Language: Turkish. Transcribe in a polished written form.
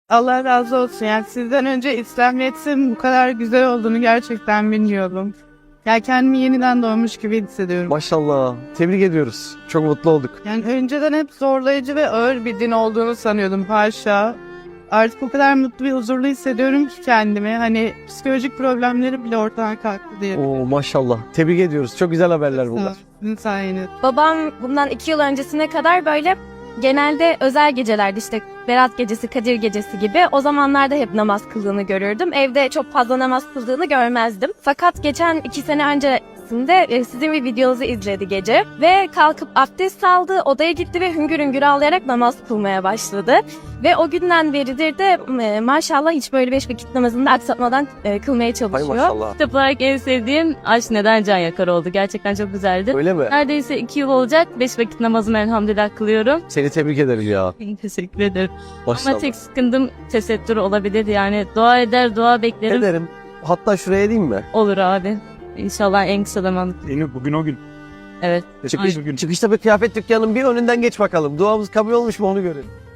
Allah razı olsun. Yani sizden önce İslamiyet'in bu kadar güzel olduğunu gerçekten bilmiyordum. Yani kendimi yeniden doğmuş gibi hissediyorum. Maşallah. Tebrik ediyoruz. Çok mutlu olduk. Yani önceden hep zorlayıcı ve ağır bir din olduğunu sanıyordum, haşa. Artık o kadar mutlu ve huzurlu hissediyorum ki kendimi. Hani psikolojik problemlerim bile ortadan kalktı diye. Oo maşallah. Tebrik ediyoruz. Çok güzel haberler bunlar. Sizin sayenizde. Babam bundan 2 yıl öncesine kadar böyle genelde özel gecelerde işte Berat Gecesi, Kadir Gecesi gibi o zamanlarda hep namaz kıldığını görürdüm. Evde çok fazla namaz kıldığını görmezdim. Fakat geçen 2 sene öncesinde sizin bir videonuzu izledi gece ve kalkıp abdest aldı, odaya gitti ve hüngür hüngür ağlayarak namaz kılmaya başladı. Ve o günden beridir de maşallah hiç böyle 5 vakit namazını da aksatmadan kılmaya Hay çalışıyor. maşallah. Kitap olarak en sevdiğim Aşk Neden Can Yakar oldu. Gerçekten çok güzeldi. Öyle mi? Neredeyse 2 yıl olacak. 5 vakit namazımı elhamdülillah kılıyorum. Seni tebrik ederim ya. Teşekkür ederim. Maşallah. Ama tek sıkıntım tesettür olabilir. Yani dua eder, dua beklerim. Ederim. Hatta şuraya diyeyim mi? Olur abi. İnşallah en kısa zamanda. Yeni bugün o gün. Evet. Çıkışta bir kıyafet dükkanının bir önünden geç bakalım. Duamız kabul olmuş mu onu görelim.